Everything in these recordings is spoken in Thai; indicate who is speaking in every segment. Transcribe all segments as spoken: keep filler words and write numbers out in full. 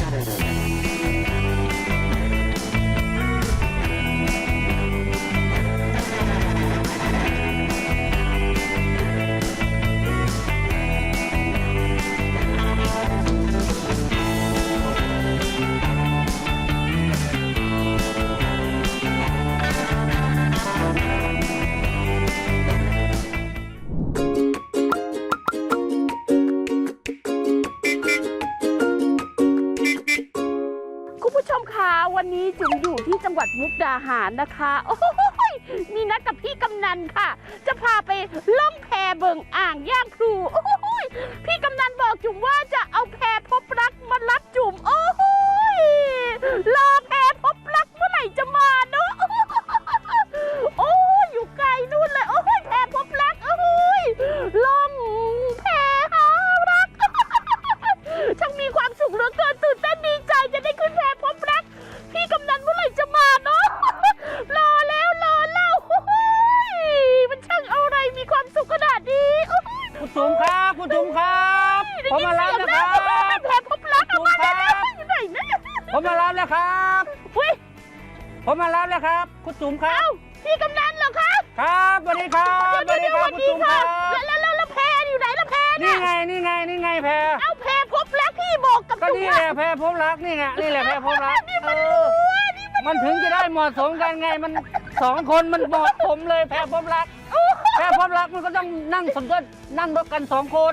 Speaker 1: วันนี้จุ๋มอยู่ที่จังหวัดมุกดาหารนะคะโอ้ยมีนัดกับพี่กำนันค่ะจะพาไปล่องแพเบิงอ่างย่างพลูโอ้ยพี่กำนันบอกจุ๋มว่าจะเอาแพพบรักมารับจุ๋มโอ้ยรอแพพบรักเมื่อไหร่จะมาเนาะโอ้ยอยู่ไกลนู่นเลยโอ้ยแพพบรักโอ้ยล่องแพหารักช่างมีความสุขเหลือเกินตื่นเต้นดีใจจะได้ขึ้นแพพบรักพี่กำนันเมื่อไหร่จะมาเนาะรอแล้วรอเล่ามันช่างอะไรมีความสุขขนาดนี้
Speaker 2: คุณจุ๋มครับคุณจุ๋มครับผมมารับแล้วครับ
Speaker 1: แพพบรักมาแล้วอยู่ไหนนะ
Speaker 2: ผมมารับแล้วครับผมมารับแล้วครับคุณจุ๋มครับ
Speaker 1: พี่กำนันเหรอคะ
Speaker 2: ครับสวัสดีครับสวัสดีครับคุณจุ๋มครับ
Speaker 1: แล้วแล้วแล้วแพอยู่ไหนแล้วแพ
Speaker 2: นี่ไงนี่ไงนี่ไงแพ
Speaker 1: เอาแพพบรักพี่บอกกับ
Speaker 2: จุ๋มก็นี่แหละแพพบรักนี่ไงนี่แหละแพพบรักเออมันถึงจะได้เหมาะสมกันไงมันสองคนมันเหมาะสมเลยแพพบรักแพพบรักมันก็ต้องนั่งสมรสนั่งรถกันสองคน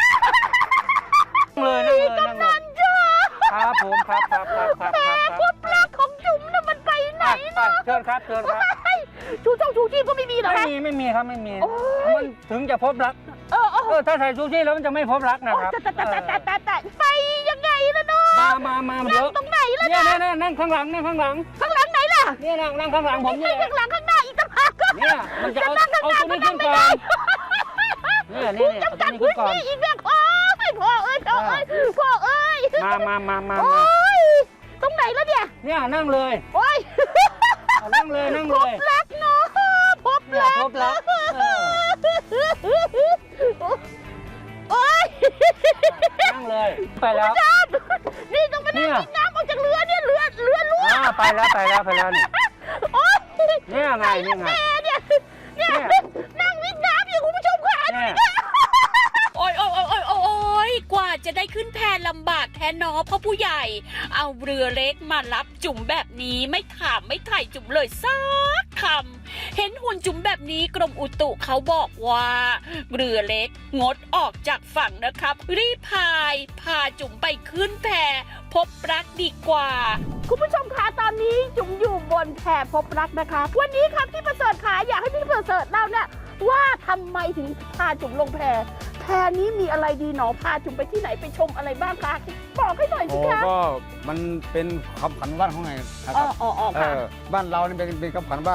Speaker 2: เลยนั่งเลยนั่งเลยครับผมครับครับครับครับ
Speaker 1: แพพบรักของจุ๋มน่ะมันไปไหนเนาะ
Speaker 2: เชิญครับเชิญครับ
Speaker 1: ชูช่องชูชีพก็ไม่มีหรอ
Speaker 2: ไม่มีไม่มีครับไม่มีมันถึงจะพบรัก
Speaker 1: เออเอ
Speaker 2: อถ้าใส่ชูชีพแล้วมันจะไม่พบรักนะครับ
Speaker 1: แต่แต่แต่แต่แต่แต่ไปยังไงล่ะเนาะ
Speaker 2: มามามาเดี๋ยว
Speaker 1: ตรงไหนล่ะ
Speaker 2: เนี่ยเนี่ยนั่งข้างหลังนั่งข้างหลัง
Speaker 1: ข้างหลังไหนล่ะ
Speaker 2: เนี่ยนั่งนั่งข้างหลังผมเนี่ย
Speaker 1: ข้างหลังข้างหน้าอีกต่างหาก
Speaker 2: เนี่ยมันจะเอาเอาตัวนี้ขึ้นก่อนเนี่ยนี่เนี่ย
Speaker 1: จำกัดพื้นที่อีกแล้วพ่อพ่อเอ้ยพ่อเอ้ยพ่อเอ้ย
Speaker 2: มามามามา
Speaker 1: โอ้ยตรงไหนแล้วเนี่ย
Speaker 2: เนี่ยนั่งเลย
Speaker 1: โอ้ย
Speaker 2: นั่งเลยนั่งเลย
Speaker 1: พบรักเนาะพบรัก
Speaker 2: พบรัก
Speaker 1: โอ้ย
Speaker 2: นั่งเลยไปแล้ว
Speaker 1: นี่ต้องมานั่งกินน้ำออกจากเรือเนี่ยเรือเรือรั่ว
Speaker 2: ไปแล้วไปแล้วไปแล้วเนี่ยเนี่ยไง
Speaker 1: เนี่ยไงเนี่ยเนี่ยนั่งวิ่งน้ำอยู่คุณผู้ชมค่ะ
Speaker 3: โอ้ยโอ้ยโอ้ยโอ้ยกว่าจะได้ขึ้นแพลำบากแท้นอพ่อผู้ใหญ่เอาเรือเล็กมารับจุ๋มแบบนี้ไม่ถามไม่ถ่ายจุ๋มเลยสักคำเห็นหุ่นจุ๋มแบบนี้กรมอุตุเขาบอกว่าเรือเล็กงดออกจากฝั่งนะครับรีบพายพาจุ๋มไปขึ้นแพพบรักดีกว่า
Speaker 1: คุณผู้ชมคะตอนนี้จุ๋มอยู่บนแพพบรักนะคะวันนี้ครับพี่ประเสริฐขาอยากให้พี่ประเสริฐเล่าเนี่ยว่าทำไมถึงพาจุ๋มลงแพแพนี้มีอะไรดีหนอพาจุ๋มไปที่ไหนไปชมอะไรบ้างคะบอกให้หน่อยสิคะ
Speaker 4: ก็มันเป็นคำขวัญบ้านของไงนะครับ
Speaker 1: อ๋ออ๋อค่ะ
Speaker 4: บ้านเราเนี่ยเป็นเป็นคำขวัญว่า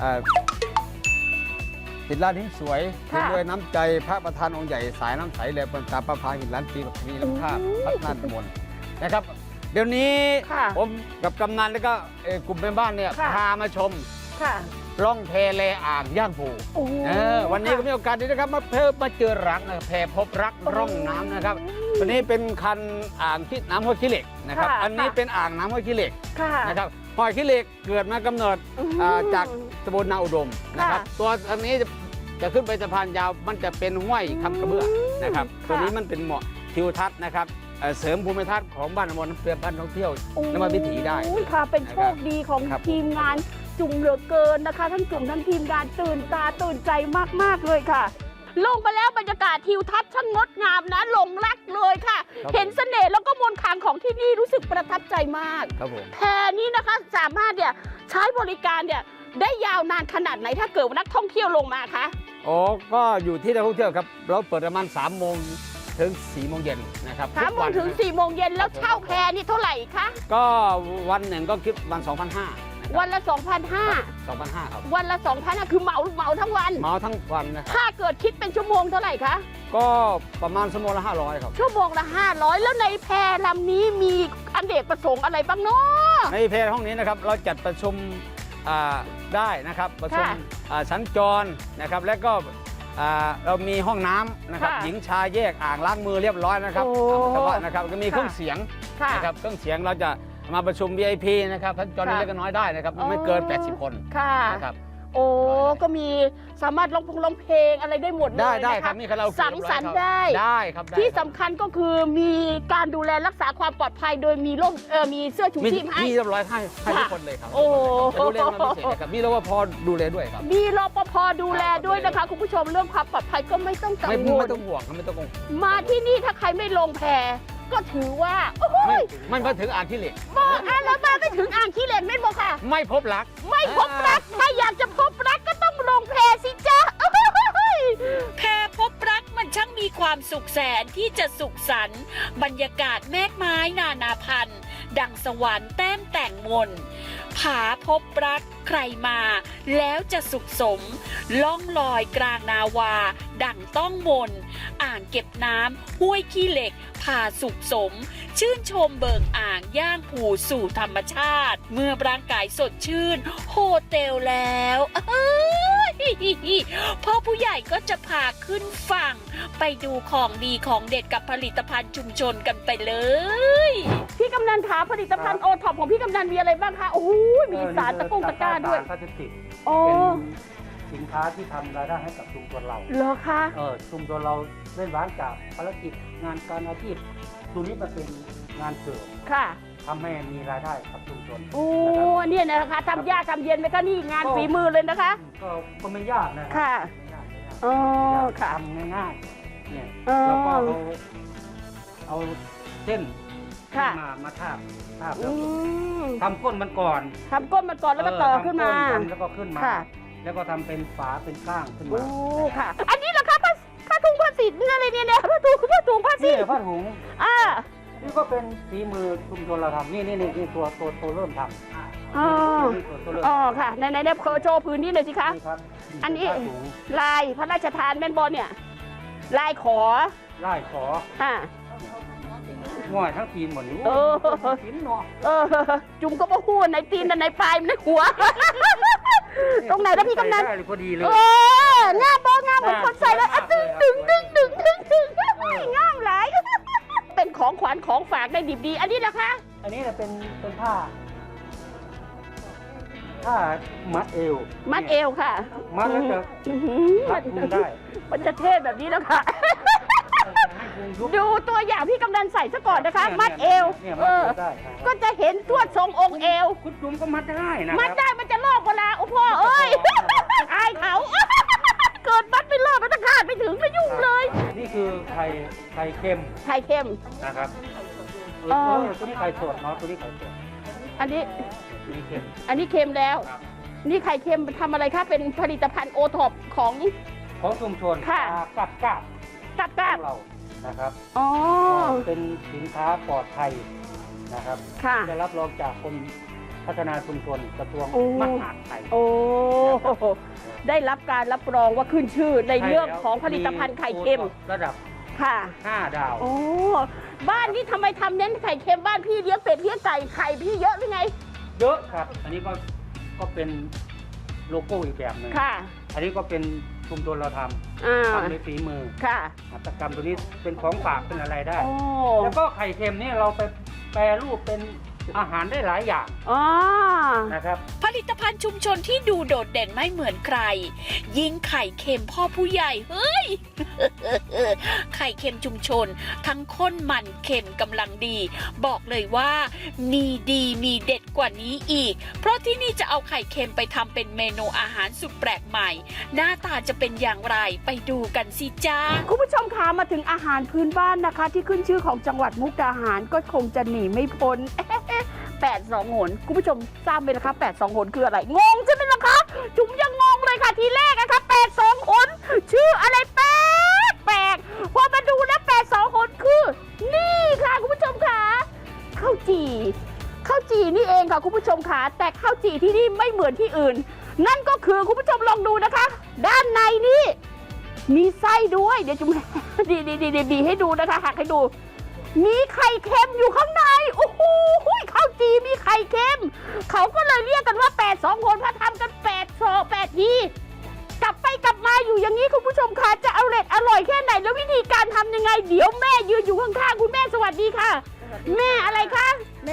Speaker 4: หินล้านหินสวยด้วยน้ำใจพระประธานองค์ใหญ่สายน้ำใสแหลมเป็นตาประพาหินล้านปีแบบนี้ลำท่าพัฒนาตำบลนะครับเดี๋ยวนี้ผมกับกำนันแล้วก็กลุ่มเป็นบ้านเนี่ยพามาชมร่องแพแลอ่างย่างปูวันนี้ก็มีโอกาสดีนะครับมาเพิ่มมาเจอรักนะแพพบรักร่องน้ำนะครับตัวนี้เป็นคันอ่างที่น้ำห้วยขี้เหล็กนะครับอันนี้เป็นอ่างน้ำห้วยขี้เหล็กนะครับห้วยขี้เหล็กเกิดมากำเนิดจากตำบลนาอุดมนะครับตัวอันนี้จะขึ้นไปสะพานยาวมันจะเป็นห้วยคำกระเบื้องนะครับตัวนี้มันเป็นเหมาะทิวทัศน์นะครับเสริมภูมิทัศน์ของบ้านอมรเพื่อบ้านท่องเที่ยวนมาวิถีได้
Speaker 1: ค่ะเป็นโชคดีของทีมงานจุ๋มเหลือเกินนะคะทั้งจุ๋มทั้งทีมงานตื่นตาตื่นใจมากๆเลยค่ะลงไปแล้วบรรยากาศทิวทัศน์ช่างงดงามนะหลงรักเลยค่ะเห็นเสน่ห์แล้วก็มนต์ขลังของที่นี่รู้สึกประทับใจมากแพนี้นะคะสามารถเนี่ยใช้บริการเนี่ยได้ยาวนานขนาดไหนถ้าเกิดนักท่องเที่ยวลงมาคะ
Speaker 4: อ๋อก็อยู่ที่นักท่องเที่ยวครับเราเปิดประมาณสามโมงถึงสี่โมงเย็นนะครับ
Speaker 1: สามโมงถึงสี่โมงเย็นแล้วเช่าแพนี่เท่าไหร่คะ
Speaker 4: ก็วันหนึ่งก็คิดวันสองพันห้า
Speaker 1: วันละ สองพันห้าร้อย
Speaker 4: สองพันห้าร้อยครับ
Speaker 1: วันละ สองพันห้าร้อย คือเหมาเหมาทั้งวัน
Speaker 4: เหมาทั้งวันนะ
Speaker 1: ถ้าเกิดคิดเป็นชั่วโมงเท่าไหร่คะ
Speaker 4: ก็ประมาณชั่วโมงละห้าร้อยครับ
Speaker 1: ชั่วโมงละห้าร้อยแล้วในแพลำนี้มีอเนกประสงค์อะไรบ้างเนาะ
Speaker 4: ในแพห้องนี้นะครับเราจัดประชุมได้นะครับประชุมสัญจรนะครับและก็เรามีห้องน้ำนะครับหญิงชายแยกอ่างล้างมือเรียบร้อยนะครับนะครับก็มีเครื่องเสียง
Speaker 1: ค่ะ
Speaker 4: นะครับเครื่องเสียงเราจะมาประชุม วี ไอ พี นะครับท่านจอนี้
Speaker 1: ค่ะ
Speaker 4: เล็กก็น้อยได้นะครับ
Speaker 1: อ๋อ
Speaker 4: ไม่เกิน แปดสิบ คน
Speaker 1: ค่ะ
Speaker 4: นะครับ
Speaker 1: โอ้ก็มีสามารถร้องเพลงร้องเพลงอะไรได้หมดเลย
Speaker 4: ได้ได้
Speaker 1: นะะ
Speaker 4: ครับมีคาราโอเกะ
Speaker 1: สังสรรค์ได้
Speaker 4: ได้ครับได้
Speaker 1: ที่
Speaker 4: ครับ
Speaker 1: สำคัญก็คือมีการดูแลรักษาความปลอดภัยโดยมีร่มเออมีเสื้อชู
Speaker 4: มี
Speaker 1: ชีพให้
Speaker 4: มีเรียบร้อยให้ให้ทุก
Speaker 1: ค่ะ
Speaker 4: คนเลยครับ
Speaker 1: โอ้
Speaker 4: จะดูแลมันพิเศษนะครับมีรปภดูแลด้วยครับ
Speaker 1: มีรปภดูแลด้วยนะคะ คุณผู้ชมเรื่องความปลอดภัยก็ไม่ต้องกัง
Speaker 4: ไม่
Speaker 1: วล
Speaker 4: ไม่ต้องห่วงครับไม่ต้องกังวล
Speaker 1: มาที่นี่ถ้าใครไม่ลงแพก็ถือว่าโอ้
Speaker 4: ไม่
Speaker 1: ย
Speaker 4: ไม่มาถึงอ่านที่เหล็ก
Speaker 1: บอกอ่ะแล้วมาไม่ถึงอ่างขี้เหล็กไม่บอกค่ะ
Speaker 4: ไม่พบรัก
Speaker 1: ไม่พบรักถ้าอยากจะพบรักก็ต้องลงแพสิจ๊ะโอ้ย
Speaker 3: แพรพบรักมันช่างมีความสุขแสนที่จะสุขสันต์บรรยากาศแมกไม้นานาพันธุ์ ดังสวรรค์แต้มแต่งมนผาพบรักใครมา แล้วจะสุขสม ล่องลอยกลางนาวา ดังต้องมนอ่างเก็บน้ำห้วยขี้เหล็กพาสุขสม ชื่นชมเบิงอ่างย่างผูสู่ธรรมชาติ เมื่อร่างกายสดชื่น โฮเทลแล้วเอ้ยพ่อผู้ใหญ่ก็จะพาขึ้นฝั่ง ไปดูของดีของเด็ดกับผลิตภัณฑ์ชุมชนกันไปเลย
Speaker 1: พี่กำนันขาผลิตภัณฑ์โอท็อปของพี่กำนันมีอะไรบ้างคะโอ้โหมีสารตะกุงตะกร้าด้วย
Speaker 2: พลาสติก
Speaker 1: โอ้
Speaker 2: เป็นสินค้าที่ทำรายได้ให้กับชุมชนเรา
Speaker 1: เหรอคะ
Speaker 2: เออชุมชนเราเล่นร้านจากภารกิจงานการอาชีพตรงนี้มันเป็นงานเสริม
Speaker 1: ค่ะ
Speaker 2: ทำให้มีรายได้กับชุมชน
Speaker 1: โอ้
Speaker 2: นะครับ
Speaker 1: เนี่ยนะคะทำยากทำเย็นไหมคะนี่งานฝีมือเลยนะคะ
Speaker 2: ก็ก็ไม่ยากนะครั
Speaker 1: ค่ะ
Speaker 2: ไม่ยากไม่ยาก
Speaker 1: อ๋อค่ะ
Speaker 2: ทำง่ายๆเนี่ย
Speaker 1: อ๋อ
Speaker 2: แล้วก็เอาเอาเส้น
Speaker 1: ค่ะ
Speaker 2: มามาทาบทาบ
Speaker 1: อื
Speaker 2: แล้ว
Speaker 1: ม
Speaker 2: ทำก้นมันก่อน
Speaker 1: ทำก้นมันก่อนแล้วก็ต่อขึ้นมา
Speaker 2: เออทำก้นแล้วก็ขึ้นมา
Speaker 1: ค่ะ
Speaker 2: แล้วก็ทำเป็นฝาเป็นก้างขึ้น
Speaker 1: โอ้
Speaker 2: มา
Speaker 1: ค่ะ อันนี้เหรอคะผ้าผ้าถุงผ้าสีนี่อะไรเนี่ยเนี่ยผ้าถุงผ้าถุงผ้าสี
Speaker 2: นี่ผ้าถุง
Speaker 1: อ่า
Speaker 2: นี่ก็เป็นฝีมือชุมชนเราทำนี่นี่นี่นี่ตัวตัวตัวเริ่มทำ
Speaker 1: อ๋อ
Speaker 2: นี่ตัวตัวเริ่ม
Speaker 1: อ๋อค่ะในในในโชว์พื้นที่หน่อยสิคะ
Speaker 2: นี่ครับ
Speaker 1: อันนี้
Speaker 2: ผ้าถุง
Speaker 1: ลายพระราชทานแม่นบอลเนี่ย ลายขอ
Speaker 2: ไล่ขอ
Speaker 1: อ่า
Speaker 2: ง่อยทั้งปีนหมดนี่
Speaker 1: เออ
Speaker 2: ปีนเนาะ
Speaker 1: เออ จุ่มก็บ่พูดในตีนในปลายในหัว ตรงไหนนะพี่กำนัน
Speaker 2: ใส่ได้เลยพอดีเลย
Speaker 1: เอองามบองามเหมือนคนใส่เลยอ่ะดึงดึงดึงดึงดึงดึงงามหลาย เป็นของขวัญของฝากได้ดิบดี อันนี้นะคะ
Speaker 2: อันนี้เนี่ยเป็นเป็นผ้าผ้ามัดเอว
Speaker 1: มัดเอวค่ะ
Speaker 2: มัดแล้วจะ
Speaker 1: อื้อหือ
Speaker 2: รัดพุงได้
Speaker 1: มันจะเท่แบบนี้แล้วค่ะ
Speaker 2: ให้พุงยุบ
Speaker 1: ดูตัวอย่างพี่กำนันใส่ซะก่อนนะคะ มัดเอว
Speaker 2: เนี่ย
Speaker 1: เอ
Speaker 2: มัด
Speaker 1: อ
Speaker 2: เอวได้ครับ
Speaker 1: ก็จะเห็นทวดทรงองค์เอว
Speaker 2: คุณจุ๋มก็มัดได้นะ
Speaker 1: มัด
Speaker 2: ครับ
Speaker 1: ได้มันจะลอกเวลาโอ้พ่อเอ้ย อายเขา เกิดมัดไม่รอดมันจะขาดไปถึงไม่ยุ่งเลย
Speaker 2: นี่คือไข่ไข่เค็ม
Speaker 1: ไข่เค็ม
Speaker 2: นะครับเอ
Speaker 1: อ๋อ
Speaker 2: อตัวนี้ไข่สดเนาะตัวนี้ไข่สด
Speaker 1: อันนี้
Speaker 2: ตัวนี้เค็ม
Speaker 1: อันนี้เค็มแล้ว
Speaker 2: ครับ
Speaker 1: นี่ไข่เค็มทำอะไรคะ เป็นผลิตภัณฑ์โอท็อปของ
Speaker 2: ของชุมชน
Speaker 1: ค่ะ
Speaker 2: กับกับ
Speaker 1: กัก
Speaker 2: ข
Speaker 1: กั
Speaker 2: อก งเรานะครับ
Speaker 1: อ๋อ
Speaker 2: เป็นสินค้าปลอดภัยนะครับ
Speaker 1: ค่ะ
Speaker 2: ได้รับรองจากกรมพัฒนาชุมชนกระทรวง
Speaker 1: โอ้
Speaker 2: มหาดไทย
Speaker 1: โอ้ ได้รับการรับรองว่าขึ้นชื่อในเรื่องของผลิตภัณฑ์ไข่เค็ม
Speaker 2: ระดับ
Speaker 1: ค่ะ
Speaker 2: ห้าดาว
Speaker 1: โอ้ บ้านนี้ทำไมทำเน้นไข่เค็มบ้านพี่เลี้ยงเป็ดเลี้ยงไก่ไข่พี่เยอะหรือไง
Speaker 2: เยอะครับ อันนี้ก็ก็เป็นโลโก้อีกแบบหนึ่ง
Speaker 1: ค่ะ
Speaker 2: อันนี้ก็เป็นชุมชนเราท
Speaker 1: อ่า
Speaker 2: ำทำด้วยฝีมือ
Speaker 1: ค่ะ
Speaker 2: หัตถกรรมตัวนี้เป็นของฝากเป็นอะไรได้
Speaker 1: โอ้
Speaker 2: แล้วก็ไข่เค็มนี่เราไปแปรรูปเป็นอาหารได้หลายอย่าง
Speaker 1: อ๋อ
Speaker 2: นะครับ
Speaker 3: ผลิตภัณฑ์ชุมชนที่ดูโดดเด่นไม่เหมือนใคร ยิ่งไข่เค็มพ่อผู้ใหญ่เฮ้ย ไข่เค็มชุมชน ทั้งข้นมันเค็มกำลังดี บอกเลยว่า มีดีมีเด็ดกว่านี้อีก เพราะที่นี่จะเอาไข่เค็มไปทำเป็นเมนูอาหารสุดแปลกใหม่ หน้าตาจะเป็นอย่างไรไปดูกันสิจ้า
Speaker 1: คุณผู้ชมคะมาถึงอาหารพื้นบ้านนะคะ ที่ขึ้นชื่อของจังหวัดมุกดาหารก็คงจะหนีไม่พ้น แปดสองหนคุณผู้ชมทราบไหมล่ะคะแปดสองหนคืออะไร งงใช่ไหมล่ะคะ จุ๋มยังงงเลยค่ะทีแรกนะคะแปดสองหนชื่ออะไรแปลกแปลกพอมาดูแล้วแปดสองหนคือ นี่ค่ะคุณผู้ชมค่ะข้าวจี่ข้าวจี่นี่เองค่ะคุณผู้ชมค่ะแต่ข้าวจี่ที่นี่ไม่เหมือนที่อื่น นั่นก็คือคุณผู้ชมลองดูนะคะ ด้านในนี่มีไส้ด้วยเดี๋ยวจุ๋ม ดีดีดีดีให้ดูนะคะหักให้ดู มีไข่เค็มอยู่ข้างในโอ้โหข้าวจีมีไข่เค็มเขาก็เลยเรียกกันว่าแปดสองคนพระทำกันแปดสองแปดทีกลับไปกลับมาอยู่อย่างนี้คุณผู้ชมคะจะอร่อยอร่อยแค่ไหนแล้ววิธีการทำยังไง เดี๋ยวแม่ยืนอยู่ข้างๆคุณแม่สวัสดีค่ะ แม่อะไรคะ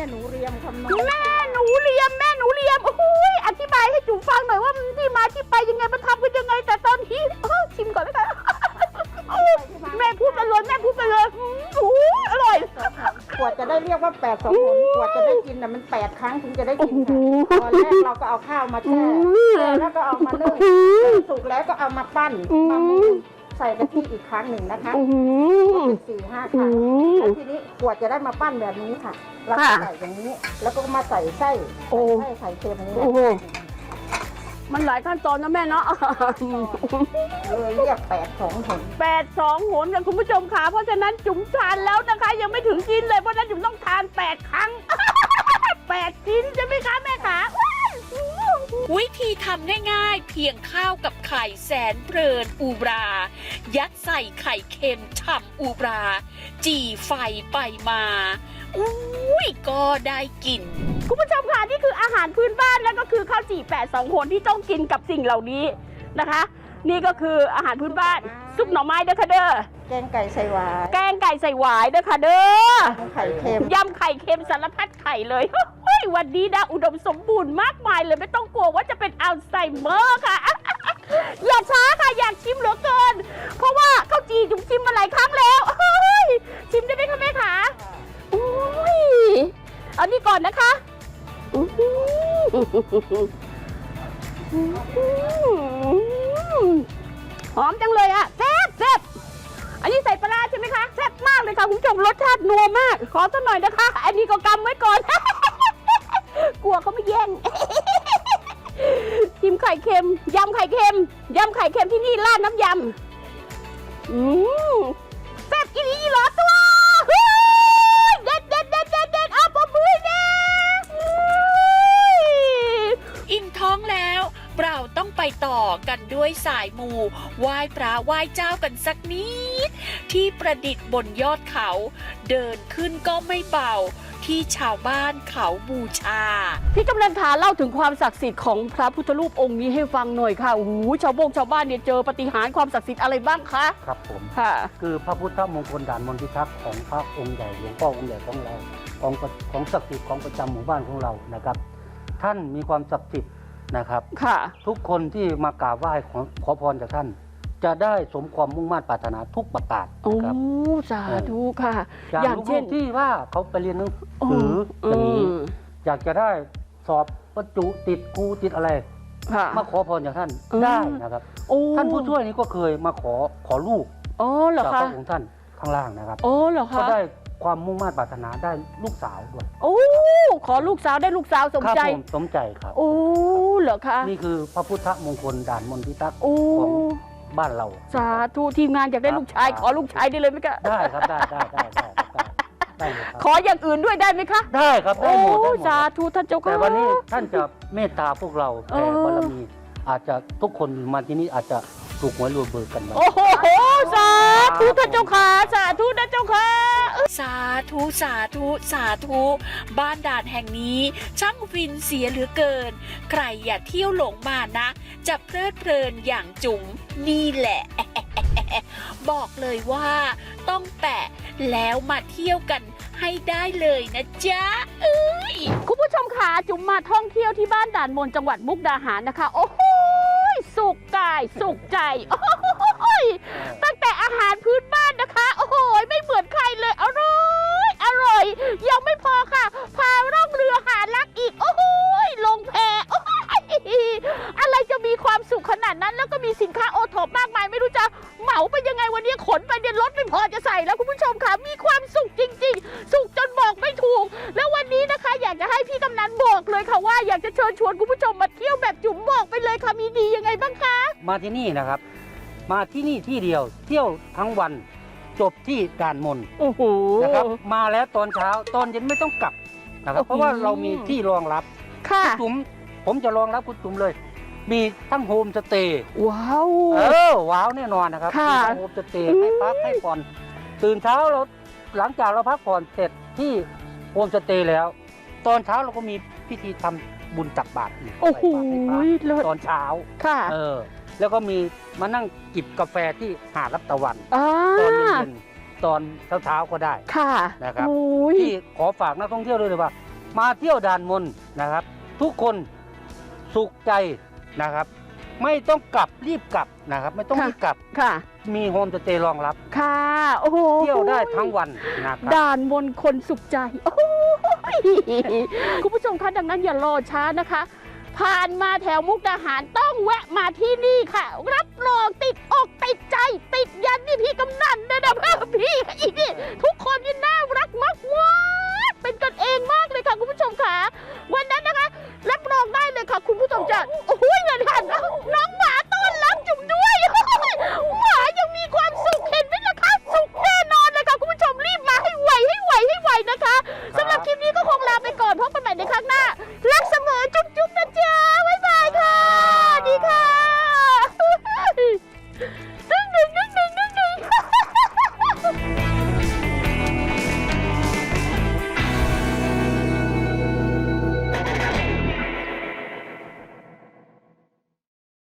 Speaker 5: หนูเรียมคำน้อย
Speaker 1: แม่หนูเรียมแม่หนูเรียมโอ้โหอธิบายให้จุ๋มฟังหน่อยว่ามันที่มาที่ไปยังไงมันทำกันยังไงแต่ตอนนี้เออชิมก่อนแล้วกันแม่พูดไปเลยแม่พูดไปเลยอืมโอ้ยอร่อย
Speaker 5: กว่าจะได้เรียกว่าแปดสองหนกว่าจะได้กินน่ะมันแปดครั้งถึงจะได้กินค่ะตอนแรกเราก็เอาข้าวมาแช่แช่แล้วก็เอามานึ่งสุกแล้วก็เอามาปั้นมามูนใส่กะทิอีกครั้งหนึ่งนะคะ
Speaker 1: อื้อหือ
Speaker 5: เป็นสี่ห้าครั้งแล้วทีนี้กว่าจะได้มาปั้นแบบนี้ค่ะเราก็
Speaker 1: ค่ะ
Speaker 5: ใส่อย่างนี้ แล้วก็มาใส่ไส้
Speaker 1: โอ้
Speaker 5: ใส่ไส้ไข่เค็มนี้
Speaker 1: โอ้โห มันหลายขั้นตอนนะแม่เนาะ
Speaker 5: เลยเรียกแปดสองหน
Speaker 1: แปดสองโหนกันคุณผู้ชมค่ะเพราะฉะนั้นจุ๋มทานแล้วนะคะ ยังไม่ถึงกินเลยเพราะฉะนั้นจุ๋มต้องทานแปดครั้ง แปดชิ้นใช่ไหมคะแม่ขาว้าย
Speaker 3: วิธีทำง่ายๆ เพียงข้าวกับไข่แสนเพลินอูบรา ยัดใส่ไข่เค็มฉ่ำอูบรา จี่ไฟไปมาอุ้ยก็ได้กิน
Speaker 1: คุณผู้ชมค่ะนี่คืออาหารพื้นบ้านแล้วก็คือข้าวจี่แปดสองโหนที่ต้องกินกับสิ่งเหล่านี้นะคะ นี่ก็คืออาหารพื้นบ้านซุปหน่อไม้เด้อค่ะเด้อ
Speaker 5: แกงไก่ใส่หวาย
Speaker 1: แกงไก่ใส่หวายเด้อค่ะเด้อ
Speaker 5: ไข่เค็ม
Speaker 1: ยำไข่เค็มสารพัดไข่เลยเฮ้ยวันนี้นะอุดมสมบูรณ์มากมายเลยไม่ต้องกลัวว่าจะเป็นอัลไซเมอร์ค่ะ อย่าช้าค่ะอยากชิมเหลือเกิน เพราะว่าข้าวจีจุ๋มชิมมาหลายครั้งแล้วเฮ้ยชิมได้ไหมคะแม่ขาอุ้ยเอานี่ก่อนนะคะอื้อหือหอมจังเลยอะแซ่บแซ่บอันนี้ใส่ปลาร้าใช่ไหมคะแซ่บมากเลยค่ะคุณผู้ชมรสชาตินัวมาก ขอสักหน่อยนะคะ อันนี้ก็กำไว้ก่อน กลัวเขาไม่แย่ง ชิมไข่เค็มยำไข่เค็มยำไข่เค็มที่นี่ราดน้ำยำอืมแซ่บอีหลีอีหลอตัวเฮ้ยเด็ดเด็ดเด็ดเด็ดเด็ดเอาปะมือเด็ด
Speaker 3: อิ่มท้องแล้วเราต้องไปต่อกันด้วยสายมูไหว้พระไหว้เจ้ากันสักนิด ที่ประดิษฐ์บนยอดเขา เดินขึ้นก็ไม่เบา ที่ชาวบ้านเขาบูชา
Speaker 1: พี่กำลังขาเล่าถึงความศักดิ์สิทธิ์ของพระพุทธรูปองค์นี้ให้ฟังหน่อยค่ะโอ้โหชาวบงชาวบ้านเนี่ยเจอปาฏิหาริย์ความศักดิ์สิทธิ์อะไรบ้างคะ
Speaker 2: ครับผม
Speaker 1: ค่ะ
Speaker 2: คือพระพุทธมงคลด่านมนพิทักษ์ของพระองค์ใหญ่หลวงพ่อองค์ใหญ่ของเราของของศักดิ์สิทธิ์ของประจำหมู่บ้านของเรานะครับ ท่านมีความศักดิ์สิทธิ์นะครับ
Speaker 1: ค่ะ
Speaker 2: ทุกคนที่มากราบไหว้ขอขอพรจากท่าน จะได้สมความมุ่งมั่นปรารถนาทุกประการ
Speaker 1: โอ้
Speaker 2: นะครับ
Speaker 1: สาธุค่ะ
Speaker 2: อย่าง
Speaker 1: อย่าง
Speaker 2: ลู
Speaker 1: เช่น
Speaker 2: กๆที่ว่าเขาไปเรียนหนังสืออย่างนี้
Speaker 1: ม
Speaker 2: อยากจะได้สอบบรรจุติดครูติดอะไร
Speaker 1: ค่ะ
Speaker 2: มาขอพรจากท่าน
Speaker 1: อืม
Speaker 2: ได้นะครับ
Speaker 1: โอ้
Speaker 2: ท่านผู้ช่วยนี้ก็เคยมาขอขอลูก
Speaker 1: อ๋อเหรอ
Speaker 2: จาก
Speaker 1: คะ
Speaker 2: พระองค์ท่านข้างล่างนะครับ
Speaker 1: โอ้เหรอ
Speaker 2: ก็
Speaker 1: คะ
Speaker 2: ได้ความมุ่งมั่นปรารถนาได้ลูกสาวด้วย
Speaker 1: โอ้ขอลูกสาวได้ลูกสาวสม
Speaker 2: ครับ
Speaker 1: ใจ
Speaker 2: ผมสมใจครับ
Speaker 1: โอ้เหรอคะ
Speaker 2: นี่คือพระพุทธมงคลด่านมนพิทักษ์
Speaker 1: โอ้
Speaker 2: ของบ้านเรา
Speaker 1: สาธุทีมงานอยากได้ลูกชาย
Speaker 2: ครับ
Speaker 1: ขอลูกชายได้เลยไหมคะ
Speaker 2: ได้ครับได้ได้ได้ได้ได้ได้เลยครับ
Speaker 1: ขออย่างอื่นด้วยได้ไหมคะ
Speaker 2: ได้ครับได้
Speaker 1: โอ้
Speaker 2: หมดได้หมด
Speaker 1: สาธุท่านเจ้าค่ะ
Speaker 2: แต่วันนี้ท่านจะเมตตาพวกเรา
Speaker 1: เอ
Speaker 2: แผ่
Speaker 1: อ
Speaker 2: บารมี อาจจะทุกคนมาที่นี่อาจจะถูกหวยรวยเบอร์กันมา
Speaker 1: โอ้โหสาธุท่านเจ้าค่ะสาธุท่านเจ้าค่ะ
Speaker 3: สาธุสาธุสาธุบ้านด่านแห่งนี้ช่างฟินเสียเหลือเกิน ใครอย่าเที่ยวหลงมานะ จะเพลิดเพลินอย่างจุ๋มนี่แหละ บอกเลยว่าต้องแปะแล้วมาเที่ยวกันให้ได้เลยนะจ๊ะเอ้ย
Speaker 1: คุณผู้ชมค่ะจุ๋มมาท่องเที่ยวที่บ้านด่านมนจังหวัดมุกดาหารนะคะ โอ้โหสุขกายสุขใจโอ้โหตั้งแต่อาหารพื้นบ้านนะคะ โอ้โหไม่เหมือนใครเลยอร่อยอร่อยยังไม่พอค่ะ พาร่องเรือหารักอีก โอ้โหลงแพโอ้โหอะไรจะมีความสุขขนาดนั้น แล้วก็มีสินค้าโอท็อปมากมายไม่รู้จะเหมาไปยังไงวันนี้ขนไปเดินรถไม่พอจะใส่แล้วคุณผู้ชมค่ะมีความสุขจริงๆ สุขจนบอกไม่ถูก แล้ววันนี้นะคะ อยากจะให้พี่กำนันบอกเลยค่ะว่าอยากจะเชิญชวนคุณผู้ชมมาเที่ยวแบบจุ๋มบอกไปเลยค่ะมีดียังไงบ้างคะ
Speaker 2: มาที่นี่นะครับ มาที่นี่ที่เดียวเที่ยวทั้งวันจบที่ด่านมน
Speaker 1: โอ้โห
Speaker 2: นะครับมาแล้วตอนเช้าตอนเย็นไม่ต้องกลับนะครับ
Speaker 1: โอ้โห
Speaker 2: เพราะว่าเรามีที่รองรับ
Speaker 1: ค่ะ
Speaker 2: คุณจุ๋มผมจะรองรับคุณจุ๋มเลย มีทั้งโฮมสเตย์
Speaker 1: ว้าว
Speaker 2: เออว้าวแน่นอนนะครับ
Speaker 1: ค่ะ
Speaker 2: มีทั้งโฮมสเตย์ให้พักให้ผ่อนตื่นเช้าเราหลังจากเราพักผ่อนเสร็จที่โฮมสเตย์แล้ว ตอนเช้าเราก็มีพิธีทำบุญตักบาตรอีก
Speaker 1: โอ้โห
Speaker 2: ใส่บาตรให้พระ
Speaker 1: เลิศ
Speaker 2: ตอนเช้า
Speaker 1: ค่ะ
Speaker 2: เออแล้วก็มีมานั่งจิบกาแฟที่หาดรับตะวัน
Speaker 1: อ่า
Speaker 2: ตอนเย็นๆตอนเช้าๆก็ได้
Speaker 1: ค่ะ
Speaker 2: นะครับ
Speaker 1: โอ้ย
Speaker 2: ที่ขอฝากนักท่องเที่ยวด้วยเลยว่ามาเที่ยวด่านมนนะครับ ทุกคนสุขใจนะครับ ไม่ต้องกลับรีบกลับนะครับ ไม่ต้อง
Speaker 1: ค่ะ
Speaker 2: รีบกลับ
Speaker 1: ค่ะ
Speaker 2: มีโฮมสเตย์รองรับ
Speaker 1: ค่ะโอ้โห
Speaker 2: เที่ยวได้ทั้งวันนะครับ
Speaker 1: ด่านมนคนสุขใจโอ้โหคุณผู้ชมคะดังนั้นอย่ารอช้านะคะ ผ่านมาแถวมุกดาหารต้องแวะมาที่นี่ค่ะ รับรองติดอกติดใจ ติดยันนี่พี่กำนันนะนะพี่อีกนี่ทุกคนนี่น่ารักมากว้าเป็นกันเองมากเลยค่ะคุณผู้ชมค่ะวันนั้นนะคะรับรองได้เลยค่ะคุณผู้ชมจะโอ้โหเงิน